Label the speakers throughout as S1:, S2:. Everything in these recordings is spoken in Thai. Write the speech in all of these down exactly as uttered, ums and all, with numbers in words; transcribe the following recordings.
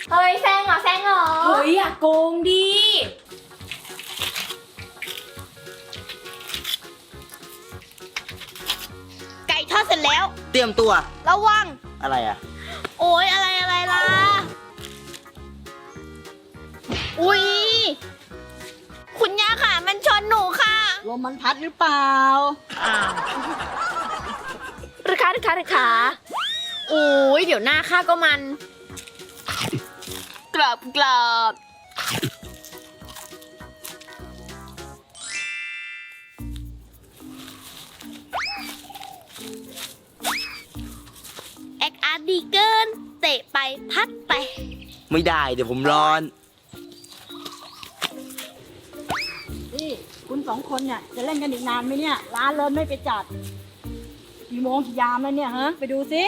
S1: เฮ้ยแซงเหรอแซงเหรอเฮ้ยอย่าโกงดิ
S2: ไก่ทอดเสร็จแล้ว
S3: เตรียมตัว
S2: ระวัง
S3: อะไรอ่ะ
S2: โอ้ยอะไรอะไรล่ะอุ๊ยคุณย่าค่ะมันชนหนูค่ะ
S4: ลมมันพัดหรือเปล่า
S2: อ้าวราคาราคาราคาโอ้ยเดี๋ยวหน้าข้าก็มันกรอบกรอบแอคอาร์ตดีเกินเตะไปพัดไป
S3: ไม่ได้เดี๋ยวผมร้อน
S4: นี่คุณสองคนเนี่ยจะเล่นกันอีกนานไหมเนี่ยร้านเริ่มไม่ไปจัดกี่โมงกี่ยามแล้วเนี่ยฮะไปดูสิ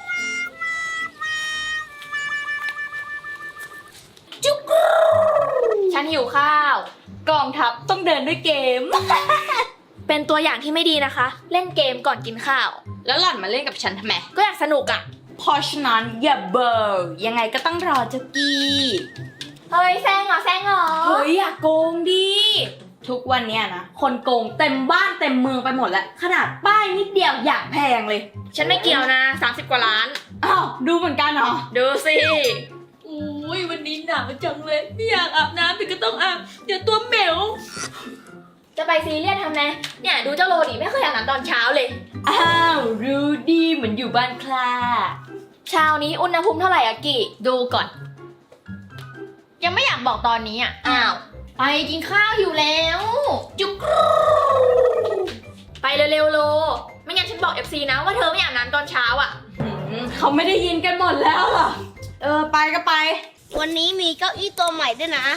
S1: จุ๊กฉันหิวข้าวกองทัพต้องเดินด้วยเกม เป็นตัวอย่างที่ไม่ดีนะคะเล่นเกมก่อนกินข้าวแล้วหล่อนมาเล่นกับฉันทำไมก็อยากสนุกอ่ะเพราะฉะนั้นอย่าเบอร์ยังไงก็ต้องรอเจ้ากี้เฮ้ยแซงเหรอแซงเหรอเฮ้ยอย่าโกงดิทุกวันเนี้ยนะคนโกงเต็มบ้านเต็มเมืองไปหมดแล้วขนาดป้ายนิดเดียวอย่างแพงเลยฉันไม่เกี่ยวนะสามสิบกว่าล้านอ้าวดูเหมือนกันเหรอดูสิอุ้ยวันนี้หนาวจังเลยไม่อยากอาบน้ำแต่ก็ต้องอาบเดี๋ยวตัวเหมวจะไปซีเรียสทำไงเนี่ยดูเจ้าโรดิไม่เคยอาบน้ำตอนเช้าเลยอ้าวรู้ดีเหมือนอยู่บ้านคลาเช้านี้อุณหภูมิเท่าไหร่อะกิดูก่อนยังไม่อยากบอกตอนนี้อะอ้าวไปกินข้าวอยู่แล้วจุกรูไปเร็วๆโลไม่งั้นฉันบอก เอฟ ซี นะว่าเธอไม่อาบน้ำตอนเช้าอะเขาไม่ได้ยินกันหมดแล้วอะเออไปก็ไป
S2: วันนี้มีเก้าอี้ตัวใหม่ด้วยนะ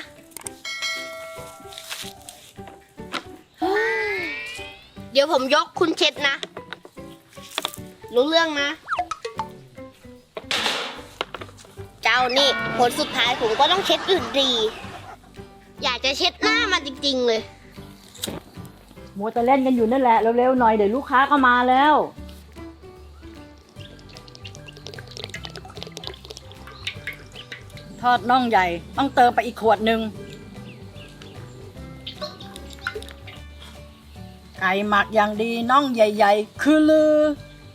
S2: เดี๋ยวผมยกคุณเช็ดนะรู้เรื่องนะเจ้านี่ผลสุดท้ายผมก็ต้องเช็ดอื่นดีอยากจะเช็ดหน้ามันจริงๆเลย
S4: มัวแต่เล่นกันอยู่นั่นแหละเร็วๆหน่อยเดี๋ยวลูกค้าก็มาแล้วทอดน่องใหญ่ต้องเติมไปอีกขวดหนึ่งไก่หมักอย่างดีน่องใหญ่ๆคือลือ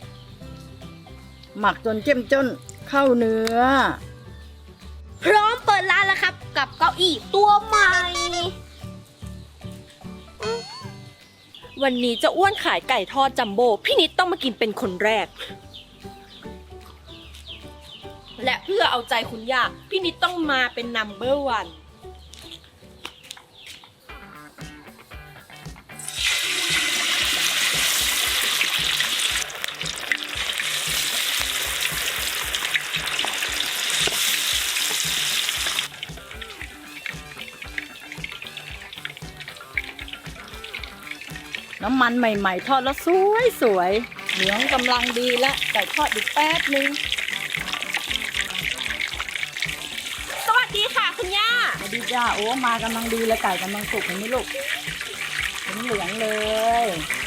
S4: หมักจนเจ้มจนเข้าเนื้อ
S2: พร้อมเปิดร้านแล้วครับกับเก้าอี้ตัวใหม่
S1: วันนี้จะอ้วนขายไก่ทอดจัมโบ้พี่นิดต้องมากินเป็นคนแรกและเพื่อเอาใจคุณย่าพี่นิดต้องมาเป็นนัมเบอร์วัน
S4: น้ำมันใหม่ๆทอดแล้วสวยสวยเหลืองกำลังดีแล้วไก่ทอดอีกแป๊บนึง
S1: สวัสดีค่ะคุณย่า
S4: สวัสดีจ้าโอ้มากำลังดีเลยไก่กำลังสุกเห็นไหมลูกเหลืองเลย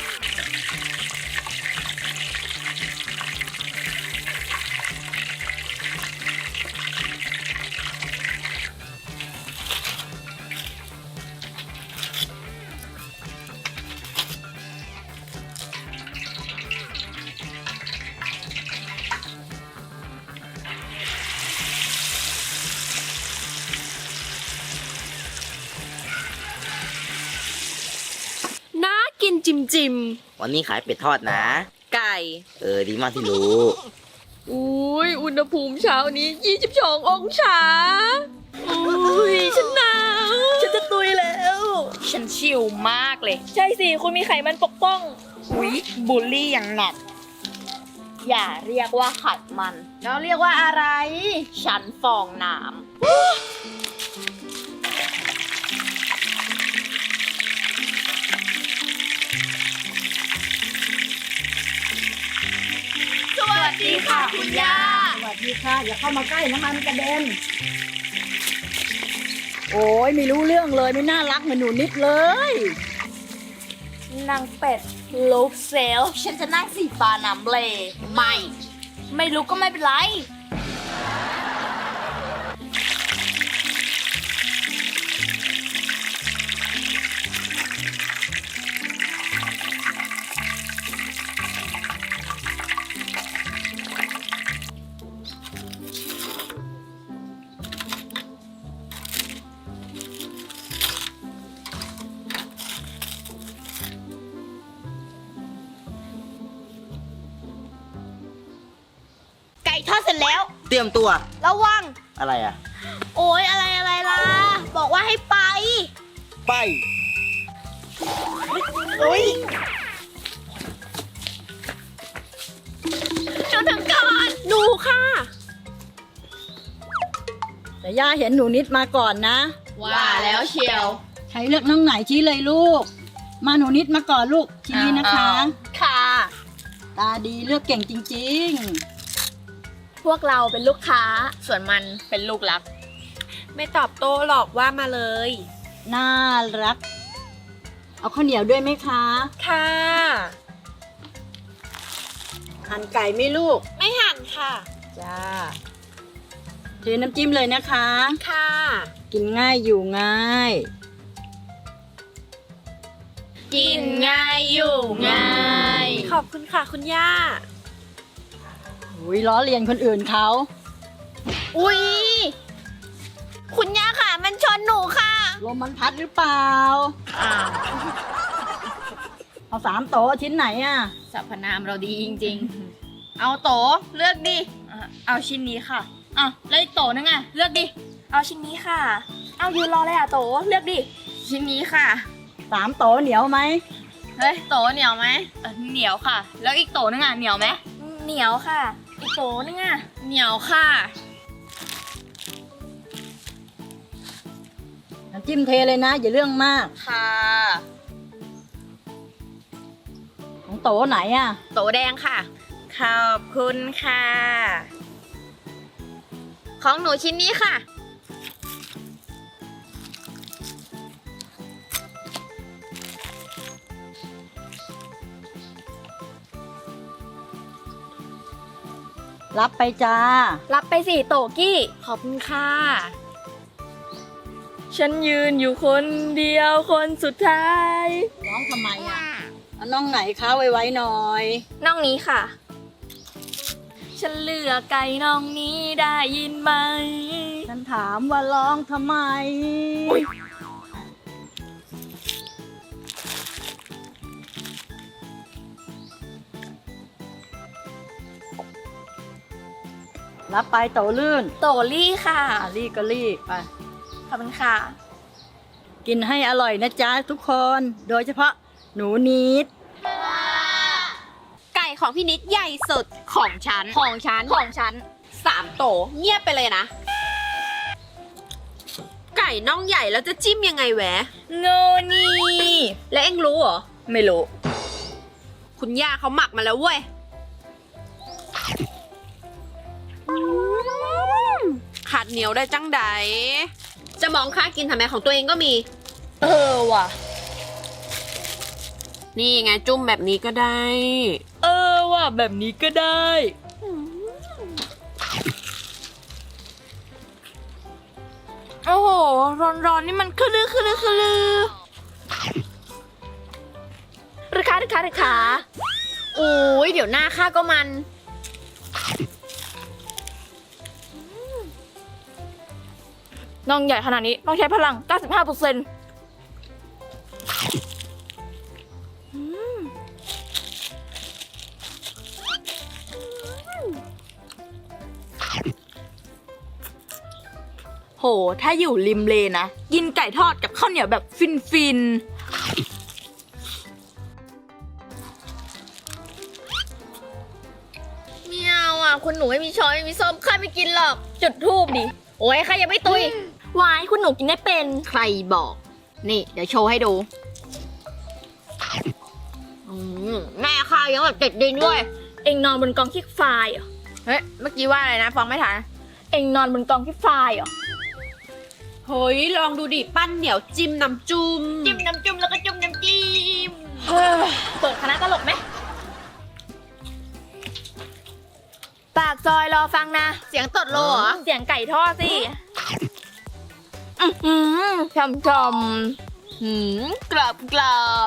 S1: น่ากินจิมจิม
S3: วันนี้ขายเป็ดทอดนะ
S1: ไก่
S3: เออดีมากที่รู้
S1: อุ้ยอุณหภูมิเช้านี้ยี่สิบสององศาอุ้ยฉันหนาวฉันจะตุยแล้วฉันชิลมากเลยใช่สิคุณมีไขมันปกป้องอุ้ยบูลลี่อย่างหนักอย่าเรียกว่าไขมันแล้วเรียกว่าอะไรฉันฟองน้ำสวัสดีค่ะคุณย่า
S4: สวัสดีค่ะอย่าเข้ามาใกล้น้ำมันกระเด็นโอ้ยไม่รู้เรื่องเลยไม่น่ารักเหมือนหนูนิดเลย
S1: นางเป็ดลูกเซลฉันจะนั่งสีฟ้าน้ำเบลไม่ไม่รู้ก็ไม่เป็นไร
S2: ทอดเสร็จแล้ว
S3: เตรียมตัว
S2: ระวัง
S3: อะไรอ่ะ
S2: โอ๊ยอะไรอะไรล่ะ บอกว่าให้ไป
S3: ไป
S2: โอ๊ยหนูถึงก่อนหนูค่ะ
S4: แต่ย่าเห็นหนูนิดมาก่อนนะ
S1: ว่าแล้วเชียว
S4: ใครเลือกน้องไหนชี้เลยลูก มาหนูนิดมาก่อนลูกชี้นะคะ
S1: ค่ะ
S4: ตาดีเลือกเก่งจริง
S1: พวกเราเป็นลูกค้า ส่วนมันเป็นลูกรัก
S5: ไม่ตอบโต้หรอกว่ามาเลย
S4: ๆ น่ารัก เอาข้าวเหนียวด้วยไหมคะ
S5: ค่ะ
S4: หั่นไก่ไหม่ลูก
S5: ไม่หั่นค่ะ
S4: จ้าเทน้ำจิ้มเลยนะคะ
S5: ค่ะ
S4: กินง่ายอยู่ง่าย
S1: กินง่ายอยู่ง่าย
S5: ขอบคุณค่ะคุณย่า
S4: อุ้ยล้อเลียนคนอื่นเขา
S2: อุ๊ย คุณย่าค่ะ มันชนหนูค่ะ
S4: ลมมันพัดหรือเปล่า
S1: อ้าว
S4: เอาสามโต๊ะชิ้นไหนอ่ะ
S1: สรรพนามเราดีจริงๆ เอาโตเลือกดิอ่ะเอาชิ้นนี้ค่ะอ่ะแล้วอีกโตนึงอ่ะเลือกดิ เอาชิ้นนี้ค่ะ เอายืนรอเลยอ่ะโตเลือกดิ ชิ้นนี้ค่ะ
S4: สามโต๊ะเหนียวไหม
S1: เฮ้ยโตเหนียวไหมเออเหนียวค่ะ แล้วอีกโตนึงอ่ะเหนียวไหมเหนียวค่ะ อีกโตนึงอ่ะเหนียวค่ะ
S4: น้ำจิ้มเทเลยนะ อย่าเรื่องมาก
S1: ค่ะ
S4: ของโต๊ะไหนอ่ะ
S1: โตแดงค่ะ ขอบคุณค่ะ ของหนูชิ้นนี้ค่ะ
S4: รับไปจ้า
S1: รับไปสิโตกี้ ขอบคุณค่ะ ฉันยืนอยู่คนเดียวคนสุดท้าย
S4: ร้องทำไมอ่ะเอาน้องไหนคะไว้ๆหน่อย
S1: น้องนี้ค่ะ ฉันเลือกไก่น้องนี้ได้ยินไหม
S4: ฉันถามว่าร้องทำไม รับไปโตลื่น
S1: โตลี่ค่ะ
S4: อ่ะรีบก็รีบไป
S1: ขอบคุณค่ะ
S4: กินให้อร่อยนะจ๊ะทุกคน โดยเฉพาะหนูนิด
S5: ไก่ของพี่นิดใหญ่สุดของฉัน ของฉัน
S1: ของฉัน
S5: สามโตเงียบไปเลยนะ ไก่น่องใหญ่แล้วจะจิ้มยังไงแหวะ
S1: โนนี่
S5: และเอ็งรู้เหรอ
S1: ไม่รู้
S5: คุณย่าเขาหมักมาแล้วเว้ย ขาดเหนียวได้จังใด จะมองค่ากินทำไมของตัวเองก็มี
S1: เออว่ะ
S5: นี่ไงจุ่มแบบนี้ก็ได้
S1: เออว่ะแบบนี้ก็ได้ โอ้โห ร้อนๆนี่มันคือลือคือลือคือลือราคาราคาราคา
S5: โอ้ยเดี๋ยวหน้าค่าก็มัน
S1: น้องใหญ่ขนาดนี้ต้องใช้พลัง เก้าสิบห้าเปอร์เซ็นต์ โห ถ้าอยู่ริมเลนะ กินไก่ทอดกับข้าวเหนียวแบบฟินฟินเมียวอ่ะ คุณหนูไม่มีช้อยไม่มีส้มข้าไม่กินหรอก จุดทูบดิ
S5: โอ้ยข้ายังไม่ตุยว
S1: ายคุณหนูกินได้เป็น
S5: ใครบอก นี่ เดี๋ยวโชว์ให้ดูอืมแม่ข้ายังแบบติดดินด้วย
S1: เอ็งนอนบนกองขี้ไฟเหรอ
S5: เฮ้ย เมื่อกี้ว่าอะไรนะ ฟังไม่ทัน
S1: เอ็งนอนบนกองขี้ไฟเหรอ
S5: เฮ้ย ลองดูดิ ปั้นเหนียวจิ้มน้ำจุ่ม
S1: จิ้มน้ำจุ่มแล้วก็จุ่มน้ำจิ้มเปิดคณะตลกไหมปากซอยรอฟังนะ
S5: เสียงตดโลเหรอ
S1: เสียงไก่ทอดสิ อือหือชมชมหืมกรอบกรอบ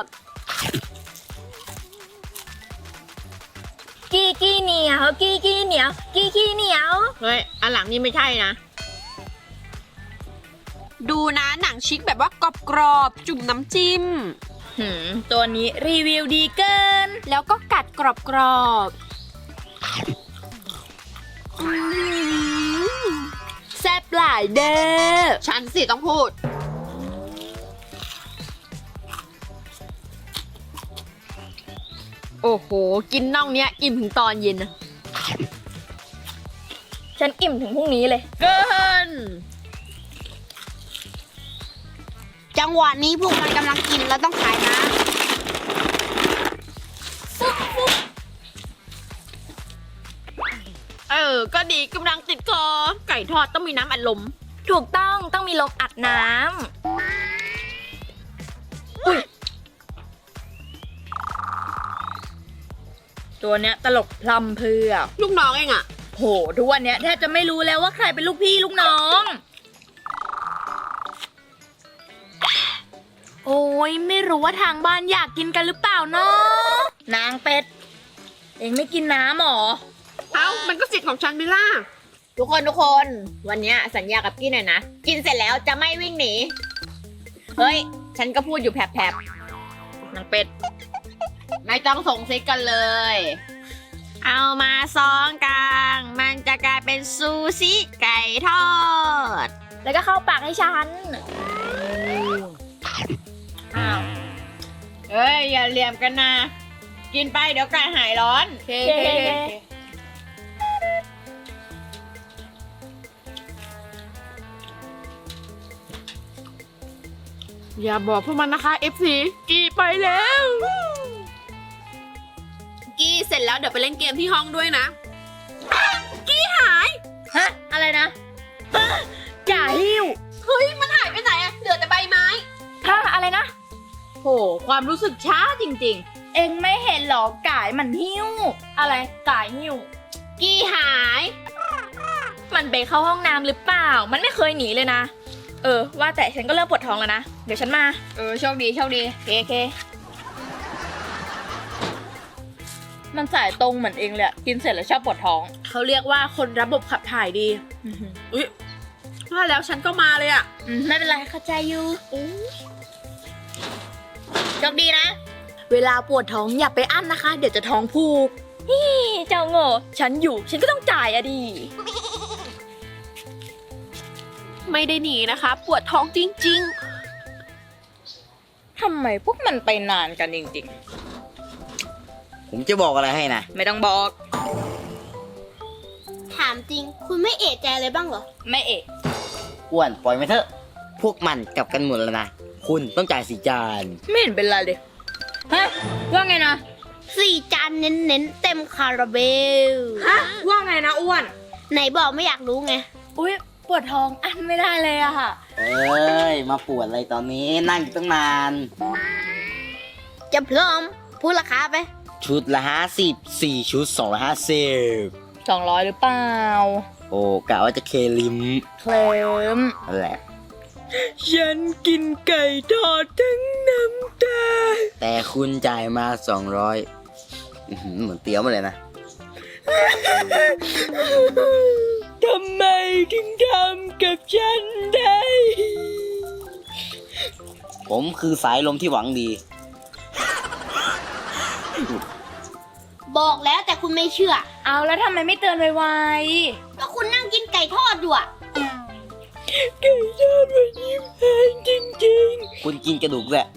S1: กี้กี้เหนียวกี้กี้เหนียวกี้กี้เหนียว
S5: เฮ้ย อันหลังนี่ไม่ใช่นะ ดูนะหนังชิคแบบว่ากรอบๆ จุ่มน้ำจิ้ม
S1: หืมตัวนี้รีวิวดีเกิน
S5: แล้วก็กัดกรอบๆ
S1: แซ่บหลายเด้อ
S5: ฉันสิต้องพูด โอ้โห กินน่องเนี้ยอิ่มถึงตอนเย็นนะ
S1: ฉันอิ่มถึงพรุ่งนี้เลย
S5: เกิน
S2: จังหวะนี้พวกมันกำลังกินแล้วต้องขายนะ
S5: เออ ก็ดีกำลังติดคอ ไก่ทอดต้องมีน้ำอัดลม
S1: ถูกต้องต้องมีลมอัดน้ำอุ้ยตัวเนี้ยตลกพลัมเพรื่อ
S5: ลูกน้องเองอะ
S1: โหทุกวันเนี้ยแทบจะไม่รู้แล้วว่าใครเป็นลูกพี่ลูกน้อง โอ้ยไม่รู้ว่าทางบ้านอยากกินกันหรือเปล่าเนาะนางเป็ด เองไม่กินน้ำหรอ
S5: เอ้า มันก็สิทธิ์ของฉันไม่ล่ะ ทุกคนทุกคน วันเนี้ยสัญญากับกี้หน่อยนะ กินเสร็จแล้วจะไม่วิ่งหนี เฮ้ย ฉันก็พูดอยู่แผลบๆนางเป็ด ไม่ต้องส่งซิกกันเลย เอามาซองกลาง มันจะกลายเป็นซูชิไก่ทอด
S1: แล้วก็เข้าปากให้ฉัน
S5: อ้าว เฮ้ย อย่าเหลี่ยมกันนะ กินไปเดี๋ยวไก่หายร้อน
S1: เคเคเค
S5: อย่าบอกพวกมันนะคะ เอฟ ซี กี้ไปแล้ว กี้เสร็จแล้วเดี๋ยวไปเล่นเกมที่ห้องด้วยนะ กี้หาย
S1: ฮะ อะไรนะฮะจ่าหิ้ว
S5: เฮ้ย มันหายไปไหนอะเหลือแต่ใบไม้
S1: ฮะอะไรนะ
S5: โห ความรู้สึกช้าจริง
S1: เองไม่เห็นหรอกายมันหิ้ว อะไรกายหิ้ว
S5: ๆ กี้หาย
S1: มันไปเข้าห้องน้ำหรือเปล่า มันไม่เคยหนีเลยนะ เออ ว่าแต่ฉันก็เริ่มปวดท้องแล้วนะ เดี๋ยวฉันมา
S5: เออ โชคดีโชคดี
S1: เคเค มันสายตรงเหมือนเองเลยอะกินเสร็จแล้วชอบปวดท้อง
S5: เขาเรียกว่าคนระบบขับถ่ายดี
S1: อื้อหือ
S5: อุ้ยว่าแล้วฉันก็มาเลยอะ
S1: อืมไม่เป็นไรเข้าใจอยู่โชคดีนะ เวลาปวดท้องอย่าไปอั้นนะคะ เดี๋ยวจะท้องผูกฮิเจ้าโง่ฉันอยู่ ฉันก็ต้องจ่ายอะดี
S5: ไม่ได้หนีนะคะ ปวดท้องจริง
S1: ทำไมพวกมันไปนานกันจริง
S3: ผมจะบอกอะไรให้นะ
S1: ๆ ไม่ต้องบอก
S2: ถามจริง คุณไม่เอะใจเลยบ้างเหรอ
S1: ไม่เอะ
S3: อ้วนปล่อยมาเถอะ พวกมันกลับกันหมดแล้วนะ คุณต้องจ่ายสี่จาน
S1: ไม่เห็นเป็นไรเลยฮะว่าไงนะ
S2: สี่จานเน้นๆ เต็มคาราเบล
S1: ฮะว่าไงนะอ้วน
S2: ไหนบอกไม่อยากรู้ไง
S1: อุ้ยปวดท้องอันไม่ได้เลยอะค่ะ
S3: เอ้ย มาปวดอะไรตอนนี้นั่งอยู่ตั้งนาน
S2: จะพร้อม พูดราคาไป
S3: ชุดละห้าสิบสี่ชุดสองร้อยห้าสิบ
S1: สองร้อยหรือเปล่า
S3: โอ้กะว่าจะเคลิม
S1: เคลม
S3: นั่นแหละ
S1: ฉันกินไก่ทอดทั้งน้ำตา
S3: แต่คุณจ่ายมาสองร้อยเหมือนเตี้ยวมาเลยนะ
S1: ทำไมถึงทำกับฉันได้
S3: ผมคือสายลมที่หวังดี
S2: บอกแล้วแต่คุณไม่เชื่อ
S1: เอาแล้วทำไมไม่เตือนไว
S2: ก็คุณนั่งกินไก่ทอดอยู่อะ
S1: ๆไก่ทอดวันนี้แพงจริง
S3: คุณกินกระดูกแหละ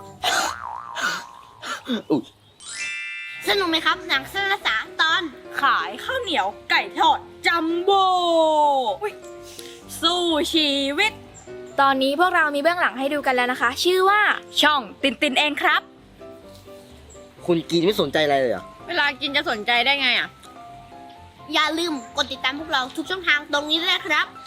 S3: อุ๊ย
S2: สนุกไหมครับ หนังสั้นละสามตอน
S1: ๆ ขายข้าวเหนียวไก่ทอดจัมโบ้อุ๊ยสู้ชีวิต ตอนนี้พวกเรามีเบื้องหลังให้ดูกันแล้วนะคะ ชื่อว่าช่องตินตินเองครับ
S3: คุณกินไม่สนใจอะไรเลยเหรอ
S5: ๆ เวลากินจะสนใจได้ไงอะ
S2: อย่าลืมกดติดตามพวกเราทุกช่องทางตรงนี้ด้วยนะครับ